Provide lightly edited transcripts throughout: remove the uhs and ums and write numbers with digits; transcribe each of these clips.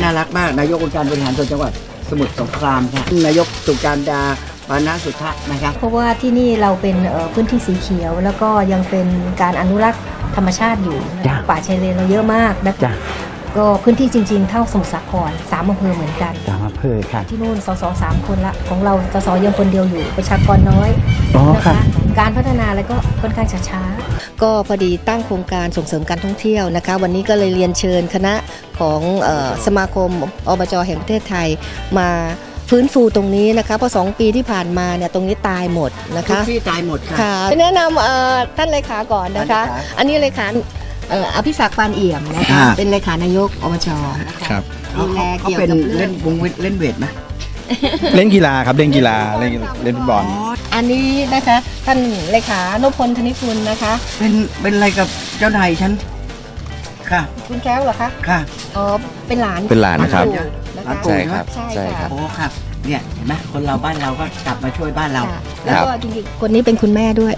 น่ารักมากนายกองค์การบริหารส่วนจังหวัดสมุทรสงครามค่ะนายกสุการดาปานะสุทธะนะครับเพราะว่าที่นี่เราเป็นพื้นที่สีเขียวแล้วก็ยังเป็นการอนุรักษ์ธรรมชาติอยู่ป่าชายเลนเราเยอะมากนะคะก็พื้นที่จริงๆเท่าสมุทรสาคร3 อำเภอเหมือนกัน 3 อำเภอค่ะที่นู่นส.ส. 3 คนละของเราส.ส.ยังคนเดียวอยู่ประชากรน้อยนะคะการพัฒนาอะไรก็ค่อนข้างช้าๆก็พอดีตั้งโครงการส่งเสริมการท่องเที่ยวนะคะวันนี้ก็เลยเรียนเชิญคณะของสมาคมอบจ.แห่งประเทศไทยมาฟื้นฟูตรงนี้นะคะเพราะ2 ปีที่ผ่านมาเนี่ยตรงนี้ตายหมดนะคะที่ตายหมดค่ะแนะนำท่านเลขาก่อนนะคะอันนี้เลขาอภิศักดิ์ปานเอี่ยมนะคะเป็นเลขานายกอบจครับดูแลเกี่ยวกับเล่นวงเล่นเวทไหมเล่นกีฬาครับเล่นกีฬาเล่นฟุตบอลอันนี้นะคะท่านเลขานพพลธนิกุลนะคะเป็นอะไรกับเจ้านายฉันค่ะคุณแก้วเหรอคะค่ะอ๋อเป็นหลานนะครับใช่ครับใช่ครับโอ้ครับเนี่ยเห็นไหมคนเราบ้านเราก็กลับมาช่วยบ้านเราแล้วก็จริงๆคนนี้เป็นคุณแม่ด้วย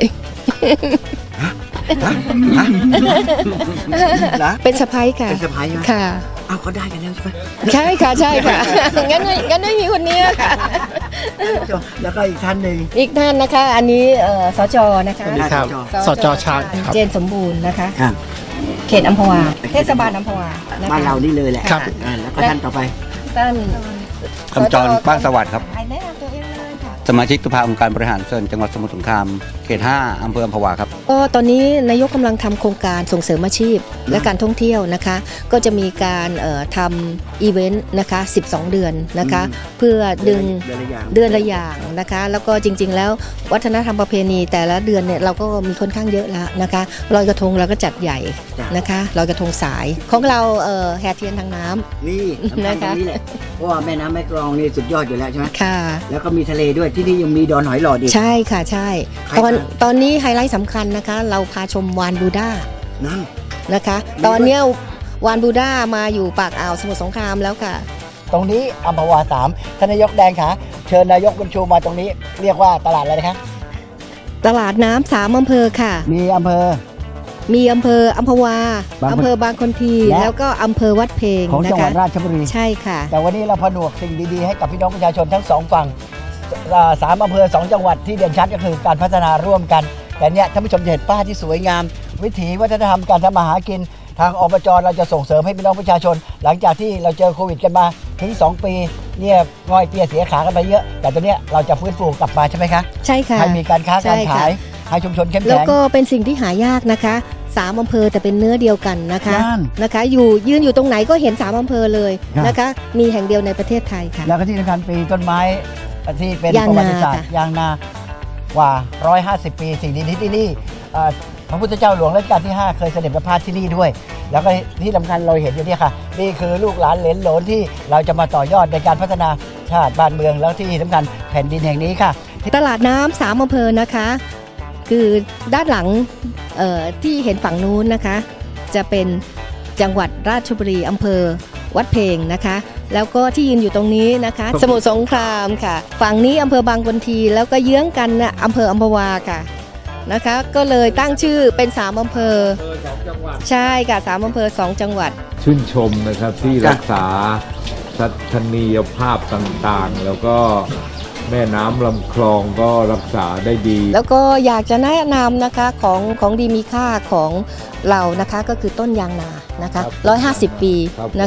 เป็นสะพ้ายค่ะเป็นสะพ้ายค่ะเอาก็ได้กันแล้วใช่ไหมใช่ค่ะใช่ค่ะงั้นไม่มีคนนี้ค่ะแล้วก็อีกท่านหนึ่งอีกท่านนะคะอันนี้สจนะคะสจชาญเจนสมบูรณ์นะคะครับเขตอัมพวาเทศบาลอัมพวาบ้านเรานี่เลยแหละครับแล้วก็ท่านต่อไปท่านคำจรบ้านสวัสดิ์ครับสมาชิกสภาองค์การบริหารส่วนจังหวัดสมุทรสงครามเขต 5 อำเภออัมพวาครับก็ตอนนี้นายกกำลังทำโครงการส่งเสริมอาชีพและการท่องเที่ยวนะคะก็จะมีการทำอีเวนต์นะคะ12 เดือนนะคะเพื่อดึงเดือนละอย่างนะคะแล้วก็จริงๆแล้ววัฒนธรรมประเพณีแต่ละเดือนเนี่ยเราก็มีค่อนข้างเยอะแล้วนะคะลอยกระทงเราก็จัดใหญ่นะคะลอยกระทงสายของเราแห่เทียนทางน้ำนี่นะคะเพราะว่าแม่น้ำแม่กลองนี่สุดยอดอยู่แล้วใช่ไหมค่ะแล้วก็มีทะเลด้วยที่นี่ยังมีดอนหอยหลอดอีกใช่ค่ะใช่ตอนนี้ไฮไลท์สำคัญนะคะเราพาชมวานบูด้านั่นนะคะตอนนี้วานบูด้ามาอยู่ปากอ่าวสมุทรสงครามแล้วค่ะตรงนี้อัมพวา3ท่านนายกแดงค่ะเชิญนายกบุญชูมาตรงนี้เรียกว่าตลาดอะไรนะคะตลาดน้ำ3 อำเภอค่ะมีอำเภออัมพวาอำเภอบางคนทีแล้วก็อำเภอวัดเพลงของจังหวัดราชบุรีใช่ค่ะแต่วันนี้เราผนวกสิ่งดีๆให้กับพี่น้องประชาชนทั้ง2 ฝั่ง3 อำเภอ2 จังหวัดที่เด่นชัดก็คือการพัฒนาร่วมกันแต่เนี่ยท่านผู้ชมจะเห็นป้ายที่สวยงามวิถีวัฒนธรรมการทำมาหากินทางอบจเราจะส่งเสริมให้พี่น้องประชาชนหลังจากที่เราเจอโควิดกันมาถึง2 ปีเนี่ยง่อยเตี้ยเสียขากันไปเยอะแต่ตอนนี้เราจะฟื้นฟูกลับมาใช่ไหมคะใช่ค่ะให้มีการค้าการขายให้ชุมชนเข้มแข็งแล้วก็เป็นสิ่งที่หายากนะคะ3 อำเภอแต่เป็นเนื้อเดียวกันนะคะยืนอยู่ตรงไหนก็เห็น3 อำเภอเลยนะคะมีแห่งเดียวในประเทศไทยค่ะแล้วก็ที่สำคัญปีต้นไม้ที่เป็นประวัติศาสตร์ยางนากว่า150 ปีสิ่งดีที่นี่พระพุทธเจ้าหลวงรัชกาลที่5เคยเสด็จประพาสที่นี่ด้วยแล้วก็ที่สำคัญเราเห็นอยู่เนี่ยค่ะนี่คือลูกหลานเหลนโหลนที่เราจะมาต่อยอดในการพัฒนาชาติบ้านเมืองแล้วที่สำคัญแผ่นดินแห่งนี้ค่ะตลาดน้ำ3 อำเภอนะคะคือด้านหลังที่เห็นฝั่งนู้นนะคะจะเป็นจังหวัดราชบุรีอำเภอวัดเพลงนะคะแล้วก็ที่ยืนอยู่ตรงนี้นะคะสมุทรสงครามค่ะฝั่งนี้อำเภอบางคนทีแล้วก็เยื้องกันนะอำเภออัมพวาค่ะนะคะก็เลยตั้งชื่อเป็น3 อำเภอใช่ค่ะ3 อำเภอ2 จังหวัดชื่นชมนะครับที่รักษาทัศนียภาพต่างๆแล้วก็แม่น้ำลำคลองก็รักษาได้ดีแล้วก็อยากจะแนะนำนะคะของดีมีค่าของเรานะคะก็คือต้นยางนานะคะ150 ปี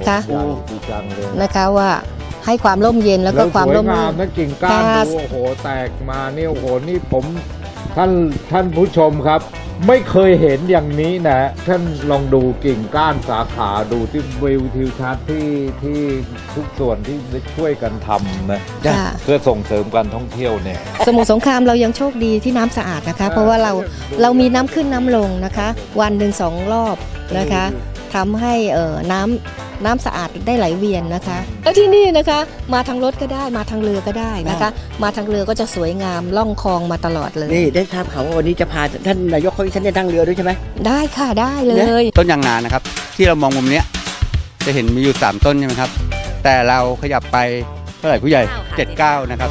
นะคะว่าให้ความร่มเย็นแล้วก็ความร่มรื่นนั่นกิ่งก้านดูโอ้โหแตกมาเนี่ยโอ้โหนี่ผมท่านผู้ชมครับไม่เคยเห็นอย่างนี้นะท่านลองดูกิ่งก้านสาขาดูที่วิวทิวทัศน์ที่ทุกส่วนที่ช่วยกันทำนะเพื่อส่งเสริมการท่องเที่ยวเนี่ยสมุทรสงครามเรายังโชคดีที่น้ำสะอาดนะคะเพราะว่าเรามีน้ำขึ้นน้ำลงนะคะวันหนึ่ง2 รอบนะคะทำให้น้ำสะอาดได้ไหลเวียนนะคะแล้วที่นี่นะคะมาทางรถก็ได้มาทางเรือก็ได้นะคะมาทางเรือก็จะสวยงามล่องคลองมาตลอดเลยนี่ได้ทราบข่าวว่าวันนี้จะพาท่านนายกเขาฉันจะนั่งเรือด้วยใช่ไหมได้ค่ะได้เลยต้นยางนานะครับที่เรามองมุมนี้จะเห็นมีอยู่3 ต้นใช่ไหมครับแต่เราขยับไปเท่าไหร่ผู้ใหญ่79นะครับ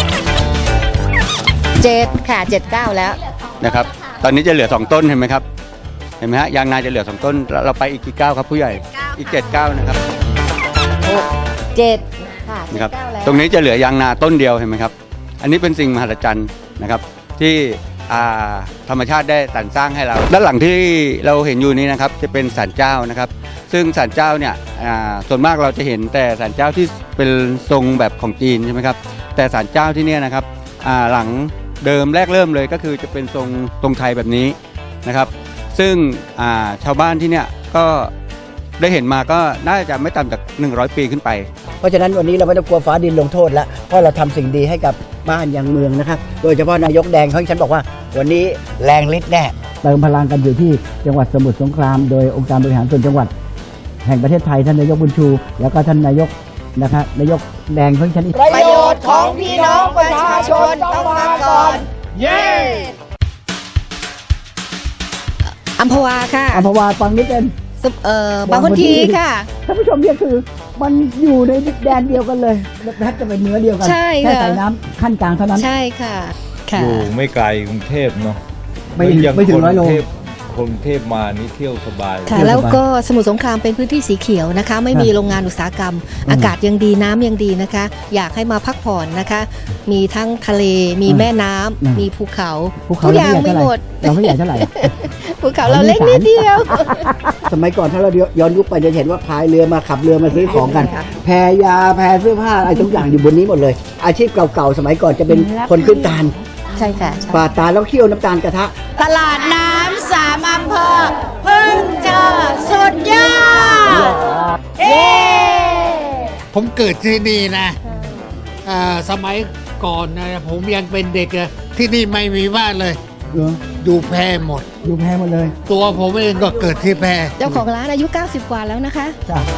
7ค่ะ79แล้วนะครับตอนนี้จะเหลือ2 ต้นเห็นไหมครับเห็นไหมฮะยางนาจะเหลือ2 ต้นเราไปอีกกี่ก้าวครับผู้ใหญ่อีก7 ก้าวนะครับ 6 7ค่ะนะครับ 9แล้วตรงนี้จะเหลือยางนาต้นเดียวเห็นไหมครับ อันนี้เป็นสิ่งมหัศจรรย์นะครับที่ธรรมชาติได้สรรสร้างให้เรา ด้านหลังที่เราเห็นอยู่นี้นะครับจะเป็นศาลเจ้านะครับ ซึ่งศาลเจ้าเนี่ยส่วนมากเราจะเห็นแต่ศาลเจ้าที่เป็นทรงแบบของจีนใช่ไหมครับแต่ศาลเจ้าที่เนี่ยนะครับหลังเดิมแรกเริ่มเลยก็คือจะเป็นทรงไทยแบบนี้นะครับ ซึ่งชาวบ้านที่เนี่ยก็ได้เห็นมาก็น่าจะไม่ต่ำจาก100 ปีขึ้นไปเพราะฉะนั้นวันนี้เราไม่ต้องกลัวฟ้าดินลงโทษแล้วเพราะเราทำสิ่งดีให้กับบ้านยังเมืองนะครับโดยเฉพาะนายกแดงเขาฉันบอกว่าวันนี้แรงฤทธิ์แน่เติมพลังกันอยู่ที่จังหวัดสมุทรสงครามโดยองค์การบริหารส่วนจังหวัดแห่งประเทศไทยท่านนายกบุญชู แล้วก็ท่านนายกนะครับนายกแดงของฉันประโยชน์ของพี่น้องประชาชนต้องมาก่อนเย้อัมพวาค่ะอัมพวาฟังนิดเป็นบางคนทีค่ะท่านผู้ชมเนี่ยคือมันอยู่ในแดนเดียวกันเลยแทบจะเป็นเนื้อเดียวกันใช่ค่ะแค่ใส่น้ำขั้นกลางเท่านั้นใช่ค่ะค่ะอยู่ไม่ไกลกรุงเทพเนาะไม่ถึง100 โลคนกรุงเทพมานี่เที่ยวสบายค่ะแล้วก็สมุทรสงครามเป็นพื้นที่สีเขียวนะคะ ไม่มีโรงงานอุตสาหกรรม อากาศยังดีน้ำยังดีนะคะ อยากให้มาพักผ่อนนะคะ มีทั้งทะเลมีแม่น้ำมีภูเขาทุกอย่างไม่หมดเราไม่ใหญ่เท่าไหร่ภูเขาเราเล็กนิดเดียวสมัยก่อนถ้าเราย้อนยุคไปจะเห็นว่าพายเรือมาขับเรือมาซื้อของกัน แพยาแพเสื้อผ้าอะไรทุกอย่างอยู่บนนี้หมดเลย อาชีพเก่าๆสมัยก่อนจะเป็นคนขึ้นตาลใช่ค่ะปาดตาลแล้วเคี่ยวน้ำตาลกระทะตลาดน้ำ3 อำเภอเพิ่งเจอสุดยอดเย้ผมเกิดที่นี่นะสมัยก่อนนะผมยังเป็นเด็กอะที่นี่ไม่มีบ้านเลย อยู่แพหมดอยู่แพหมดเลยตัวผมเองก็เกิดที่แพเจ้าของร้านอายุ 90 กว่าแล้วนะคะจ้ะ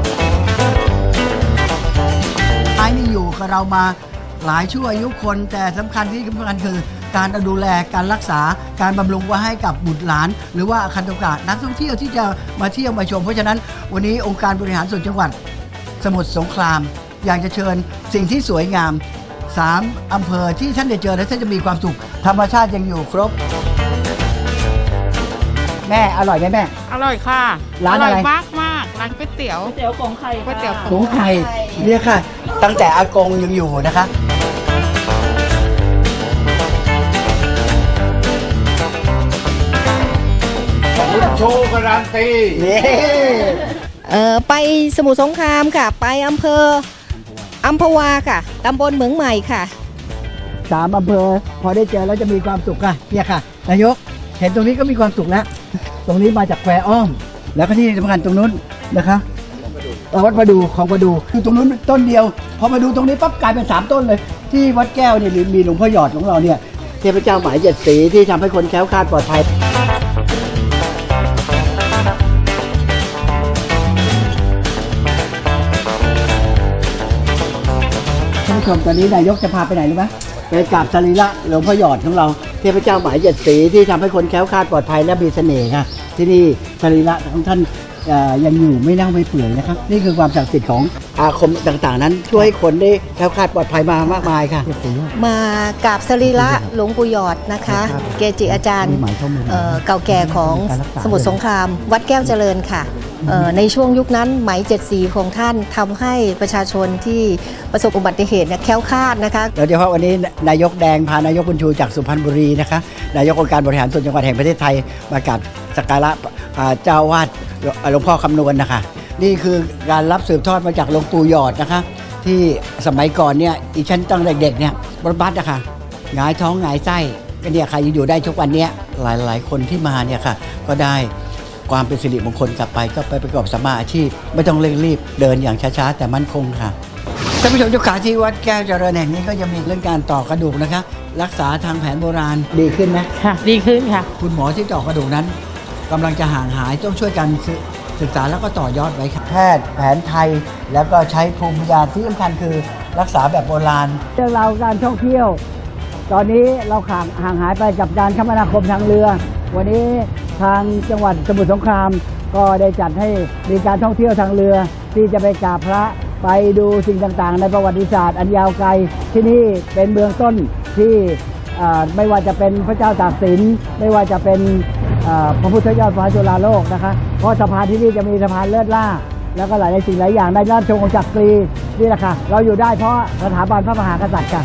ไอ้นี่อยู่กับเรามาหลายชั่วอายุคนแต่สำคัญที่สำคัญคือการดูแลการรักษาการบำรุงไว้ให้กับบุตรหลาน หรือว่าอาคันตุกะนักท่องเที่ยวที่จะมาเที่ยวมาชมเพราะฉะนั้นวันนี้องค์การบริหารส่วนจังหวัดสมุทรสงคราม อยากจะเชิญสิ่งที่สวยงาม3 อำเภอที่ท่านได้เจอและท่านจะมีความสุขธรรมชาติยังอยู่ครบ แม่อร่อยไหมแม่อร่อยค่ะร้านอะไรมากมากร้านก๋วยเตี๋ยวกงไข่ก๋วยเตี๋ยวหมูไข่เนี่ยค่ะ ตั้งแต่อากงยังอยู่นะคะโชว์การันตีนี่ไปสมุทรสงครามค่ะ ไปอำเภออัมพวาค่ะตำบลเหมืองใหม่ค่ะ 3 อำเภอพอได้เจอแล้วจะมีความสุขค่ะเนี่ยค่ะนายกเห็นตรงนี้ก็มีความสุขแล้ว ตรงนี้มาจากแควอ้อม แล้วก็ที่สำคัญตรงนู้นนะคะวัดประดูของประดูคือตรงนู้นต้นเดียว พอมาดูตรงนี้ปั๊บกลายเป็น3 ต้นเลย ที่วัดแก้วเนี่ยมีหลวงพ่อหยอดของเราเนี่ยเทพเจ้าหมาย7 สีที่ทำให้คนแคล้วคลาดปลอดภัยท่านผู้ชมตอนนี้นายกจะพาไปไหนรู้ไหมไปกราบสรีระหลวงพ่อหยอดของเราเทพเจ้าหมาย7 สีที่ทำให้คนแคล้วคลาดปลอดภัยและมีเสน่ห์ค่ะที่นี่สรีระของท่านยังอยู่ไม่เน่าไม่เปื่อยนะครับนี่คือความศักดิ์สิทธิ์ของอาคมต่างๆนั้นช่วยให้คนได้แคล้วคลาดปลอดภัยมามากมายค่ะมากราบสรีระหลวงปู่หยอดนะคะ เกจิอาจารย์เก่าแก่ของสมุทรสงคราม วัดแก้วเจริญค่ะในช่วงยุคนั้นไหม7 สีของท่านทำให้ประชาชนที่ประสบอุบัติเหตุเนี่ยแคล้วคลาดนะคะโดยเฉพาะวันนี้นายกแดงพานายกบุญชูจากสุพรรณบุรีนะคะนายกองค์การบริหารส่วนจังหวัดแห่งประเทศไทยมากราบสักการะเจ้าวาดหลวงพ่อคำนวณนะคะนี่คือการรับสืบทอดมาจากหลวงปู่หยอดนะคะที่สมัยก่อนเนี่ยอีฉันตั้งเด็กๆเนี่ยบัดนะคะหงายท้องหงายไส้ก็เนี่ยใครอยู่ได้ทุกวันเนี้ยหลายๆคนที่มาเนี่ยค่ะก็ได้ความเป็นสิริมงคลกลับไปก็ไปประกอบสัมมาอาชีพไม่ต้องเร่งรีบเดินอย่างช้าๆแต่มั่นคงค่ะท่านผู้ชมทุกขาที่วัดแก้วเจริญแห่งนี้ก็จะมีเรื่องการต่อกระดูกนะคะรักษาทางแผนโบราณดีขึ้นไหมค่ะ ดีขึ้นค่ะคุณหมอที่ต่อกระดูกนั้นกำลังจะห่างหายต้องช่วยกันศึกษาแล้วก็ต่อยอดไว้ครับแพทย์แผนไทยแล้วก็ใช้ภูมิปัญญาที่สำคัญคือรักษาแบบโบราณเรื่องราวการท่องเที่ยว ตอนนี้เราห่างหายไปกับการคมนาคมทางเรือ วันนี้ทางจังหวัดสมุทรสงครามก็ได้จัดให้มีการท่องเที่ยวทางเรือ ที่จะไปกราบพระไปดูสิ่งต่างๆในประวัติศาสตร์อันยาวไกลที่นี่เป็นเมืองต้นที่ไม่ว่าจะเป็นพระเจ้าตากสินไม่ว่าจะเป็นพระพุทธยอดฟ้าจุฬาโลกนะคะเพราะสะพานที่นี่จะมีสะพานเลิศล่าแล้วก็หลายสิ่งหลายอย่างได้รับชมของจักรีนี่แหละค่ะเราอยู่ได้เพราะสถาบันพระมหากษัตริย์ค่ะ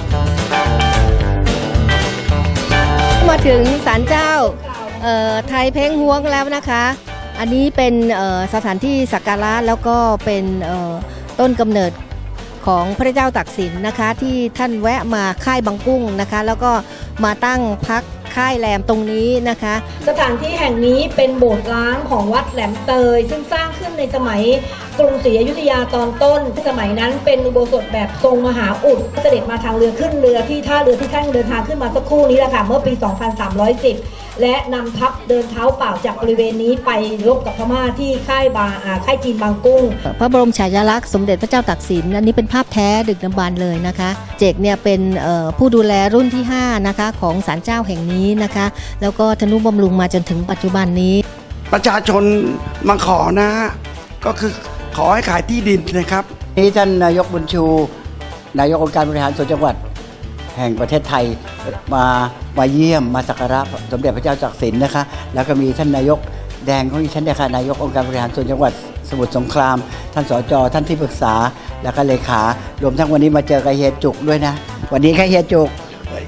มาถึงศาลเจ้าไทยเพ้งฮวงแล้วนะคะ อันนี้เป็นสถานที่สักการะแล้วก็เป็นต้นกำเนิดของพระเจ้าตากสินนะคะที่ท่านแวะมาค่ายบางกุ้งนะคะ แล้วก็มาตั้งพักค่ายแรมตรงนี้นะคะสถานที่แห่งนี้เป็นโบสถ์ร้างของวัดแหลมเตย ซึ่งสร้างขึ้นในสมัยกรุงศรีอยุธยาตอนต้นสมัยนั้นเป็นอุโบสถแบบทรงมหาอุดเสด็จมาทางเรือขึ้นเรือที่ท่าเรือที่ท่านเดินทางขึ้นมาสักครู่นี้แหละค่ะเมื่อปี 2310 และนำทัพเดินเท้าเปล่าจากบริเวณนี้ไปรบกับพม่าที่ค่ายจีนบางกุ้งพระบรมฉายาลักษณ์สมเด็จพระเจ้าตากสินอันนี้เป็นภาพแท้ดึกดำบรรพ์เลยนะคะ เจกเนี่ยเป็นผู้ดูแลรุ่นที่5นะคะของศาลเจ้าแห่งนี้นะคะ แล้วก็ทนุบำรุงมาจนถึงปัจจุบันนี้ประชาชนมาขอนะฮะก็คือขอให้ขายที่ดินนะครับนี้ท่านนายกบุญชู นายกองค์การบริหารส่วนจังหวัดแห่งประเทศไทยมาเยี่ยมมาสักการะสมเด็จพระเจ้าตากสินนะคะแล้วก็มีท่านนายกแดงของดิฉันเนี่ยค่ะนายกองค์การบริหารส่วนจังหวัดสมุทรสงคราม ท่านสจท่านที่ปรึกษาแล้วก็เลขารวมทั้งวันนี้มาเจอกับเฮียจุกด้วยนะวันนี้ค่ะเฮียจุก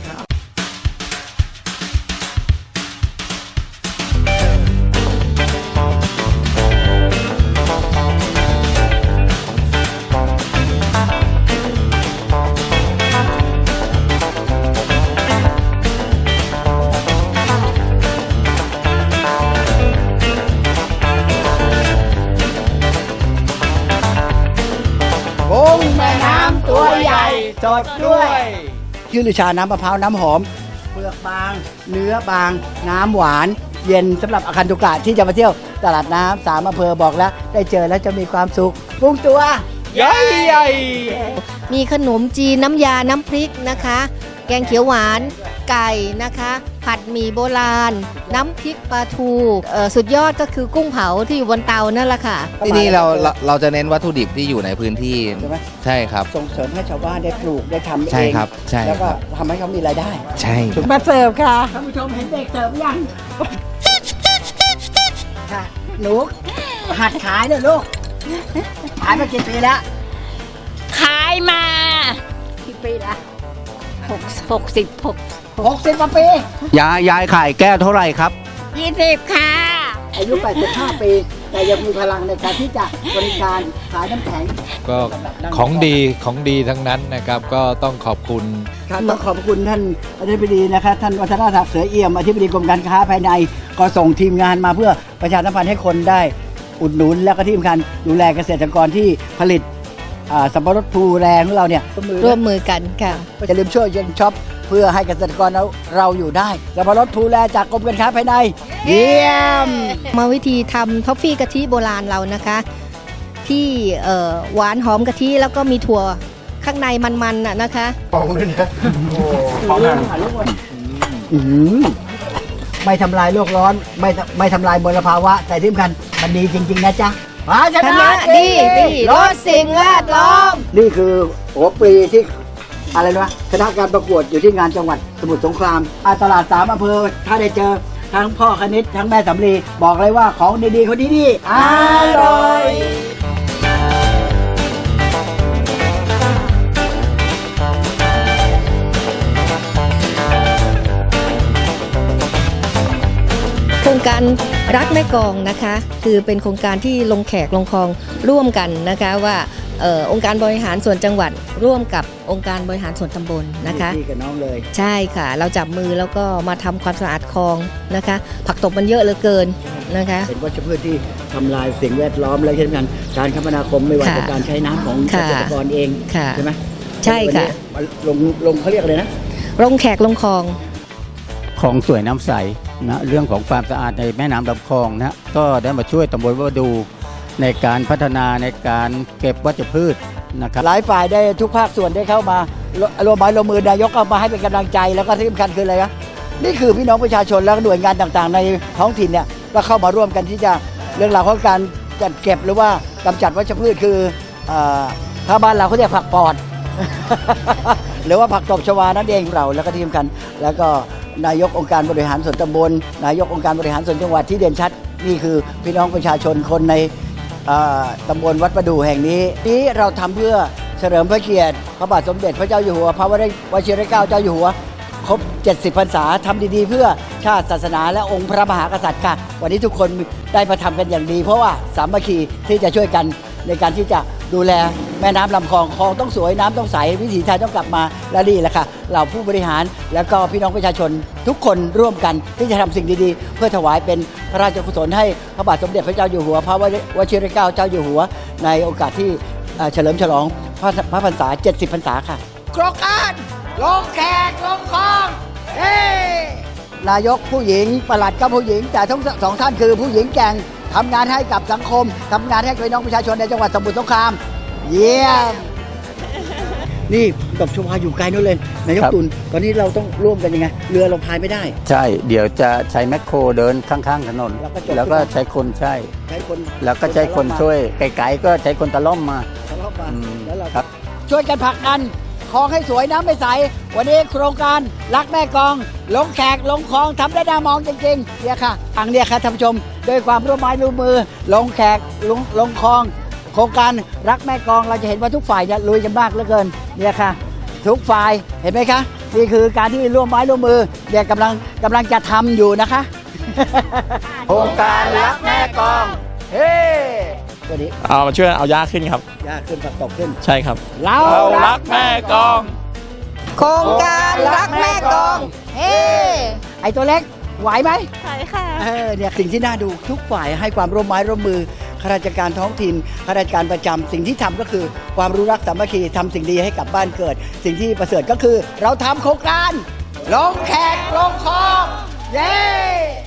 กุ้งแม่น้ำตัวใหญ่สดด้วยชื่อลือชาน้ำมะพร้าวน้ำหอมเปลือกบางเนื้อบางน้ำหวานเย็นสำหรับอาคันตุกะที่จะมาเที่ยวตลาดน้ำ3อำเภอบอกแล้วได้เจอแล้วจะมีความสุขกุ้งตัวใหญ่มีขนมจีนน้ำยาน้ำพริกนะคะ แกงเขียวหวานไก่นะคะ ผัดหมี่โบราณ น้ำพริกปลาทูสุดยอดก็คือกุ้งเผาที่อยู่บนเตานั่นแหละค่ะที่นี่เราจะเน้นวัตถุดิบที่อยู่ในพื้นที่ใช่ไหมใช่ครับส่งเสริมให้ชาวบ้านได้ปลูกได้ทำเองใช่ครับใช่แล้วก็ครับทำให้เขามีรายได้ใช่มาเสิร์ฟค่ะท่านผู้ชมเห็นเด็กเสิร์ฟยังค่ะหนูหัดขายเนี่ยลูกขายมากี่ปีแล้วขายมากี่ปีละ60 60กว่าปียายขายแก้วเท่าไหร่ครับ 20ค่ะอายุ 85 ปี แต่ยังมีพลังในการที่จะบริการขายน้ำแข็งก็ของดีทั้งนั้นนะครับ ก็ต้องขอบคุณครับต้องขอบคุณท่านอธิบดีนะครับท่านวัฒนศักดิ์เสือเอี่ยมอธิบดีกรมการค้าภายในก็ส่งทีมงานมาเพื่อประชาสัมพันธ์ให้คนได้อุดหนุนแล้วก็ที่สำคัญดูแลเกษตรกรที่ผลิตสับปะรดภูแรงของเราเนี่ยร่วมมือกันค่ะอย่าลืมช่วยยันช็อปเพื่อให้เกษตรกรเราอยู่ได้สับปะรดภูแลจากกรมการค้าภายในเยี่ยมมาวิธีทำท็อฟฟี่กะทิโบราณเรานะคะ ที่หวานหอมกะทิแล้วก็มีถั่วข้างในมันๆน่ะนะคะไม่ทำลายโลกร้อนไม่ทำลายมลภาวะแต่ที่สำคัญมันดีจริง ๆ นะจ๊ะภาชชนะนะดีลดสิ่งแวดล้อมนี่คือหัวปรีที่อะไรนะคณะการประกวดอยู่ที่งานจังหวัดสมุทรสงครามตลาด3อำเภอถ้าได้เจอทั้งพ่อคณิตทั้งแม่สำลีบอกเลยว่าของดีๆคนดีๆอร่อยโครงการรักแม่กลองนะคะ คือเป็นโครงการที่ลงแขกลงคลองร่วมกันนะคะว่าองค์การบริหารส่วนจังหวัดร่วมกับองค์การบริหารส่วนตำบลนะคะพี่กับน้องเลยใช่ค่ะ เราจับมือแล้วก็มาทำความสะอาดคลองนะคะ ผักตบมันเยอะเหลือเกินนะคะเป็นวัชพืชที่ทำลายสิ่งแวดล้อมและที่สำคัญการคมนาคมไม่ว่าจะการใช้น้ำของเกค่ะษตรกรเองค่ะใช่ไหมใช่ค่ะวันนี้ลงเขาเรียกอะไรนะลงแขกลงคลองของสวยน้ำใสนะเรื่องของความสะอาดในแม่น้ำลำคลองนะก็ได้มาช่วยตำบลวดูในการพัฒนาในการเก็บวัชพืชนะครับหลายฝ่ายได้ทุกภาคส่วนได้เข้ามารวมไม้รวมมือนายกเอามาให้เป็นกำลังใจแล้วก็ที่สำคัญคืออะไรนะนี่คือพี่น้องประชาชนและหน่วยงานต่างๆ ในท้องถิ่นเนี่ยก็เข้ามาร่วมกันที่จะเรื่องราวของการจัดเก็บหรือว่ากำจัดวัชพืชคือถ้าบ้านเราเขาเรียกผักปอด หรือว่าผักตบชวานั่นเองเราแล้วก็ที่สำคัญแล้วก็นายกองค์การบริหารส่วนตำบลนายกองค์การบริหารส่วนจังหวัดที่เด่นชัดนี่คือพี่น้องประชาชนคนในตำบลวัดประดู่แห่งนี้เราทำเพื่อเฉลิมพระเกียรติพระบาทสมเด็จพระเจ้าอยู่หัวพระวชิรเกล้าเจ้าอยู่หัวครบ 70 พรรษาทำดีๆเพื่อชาติศาสนาและองค์พระมหากษัตริย์ค่ะวันนี้ทุกคนได้มาทำกันอย่างดีเพราะว่าสามัคคีที่จะช่วยกันในการที่จะดูแลแม่น้ำลำคลองต้องสวยน้ำต้องใสวิถีไทยต้องกลับมาและนี่แหละค่ะเหล่าผู้บริหารแล้วก็พี่น้องประชาชนทุกคนร่วมกันที่จะทำสิ่งดีๆเพื่อถวายเป็นพระราชกุศลให้พระบาทสมเด็จพระเจ้าอยู่หัวพระวชิรเกล้าเจ้าอยู่หัวในโอกาสที่เฉลิมฉลองพระพรรษา 70 พรรษาค่ะโครงการลงแขกลงคลองนายกผู้หญิงปลัดก็ผู้หญิงแต่ทั้งสองท่านคือผู้หญิงแกร่งทำงานให้กับสังคมทำงานให้กับพี่น้องประชาชนในจังหวัดสมุทรสงครามเยี่ยมนี่ดอกชวาอยู่ไกลนู่นเลยนายกตุลตอนนี้เราต้องร่วมกันยังไงเรือเราพายไม่ได้ใช่เดี๋ยวจะใช้แมคโครเดินข้างๆถนนแล้วก็ใช้คนแล้วก็ใช้คนช่วยไกลๆก็ใช้คนตะล่อมมาแล้วเราช่วยกันผลักดันคลองให้สวยน้ำไม่ใสวันนี้โครงการรักแม่กลองลงแขกลงคลองทำได้น่ามองจริงๆเนี่ยค่ะอังเนี่ยค่ะท่านผู้ชมด้วยความร่วมไม้ร่วมมือลงแขกลงคลองโครงการรักแม่กลองเราจะเห็นว่าทุกฝ่ายเนี่ยลุยกันมากเหลือเกินเนี่ยค่ะทุกฝ่ายเห็นไหมคะนี่คือการที่ร่วมไม้ร่วมมือเนี่ยกำลังจะทำอยู่นะคะ โครงการรักแม่กลองเฮ้วันนี้เอามาช่วยเอาหญ้าขึ้นครับยากขึ้นผักตกขึ้นใช่ครับเรารักแม่กลองโครงการรักแม่กลองเฮ้ไอตัวเล็กไหวไหมใช่ค่ะเนี่ยสิ่งที่น่าดูทุกฝ่ายให้ความร่วมไม้ร่วมมือข้าราชการท้องถิ่นข้าราชการประจำสิ่งที่ทำก็คือความรู้รักสามัคคีทำสิ่งดีให้กับบ้านเกิด สิ่งที่ประเสริฐก็คือเราทำโครงการลงแขกลงคลองเย้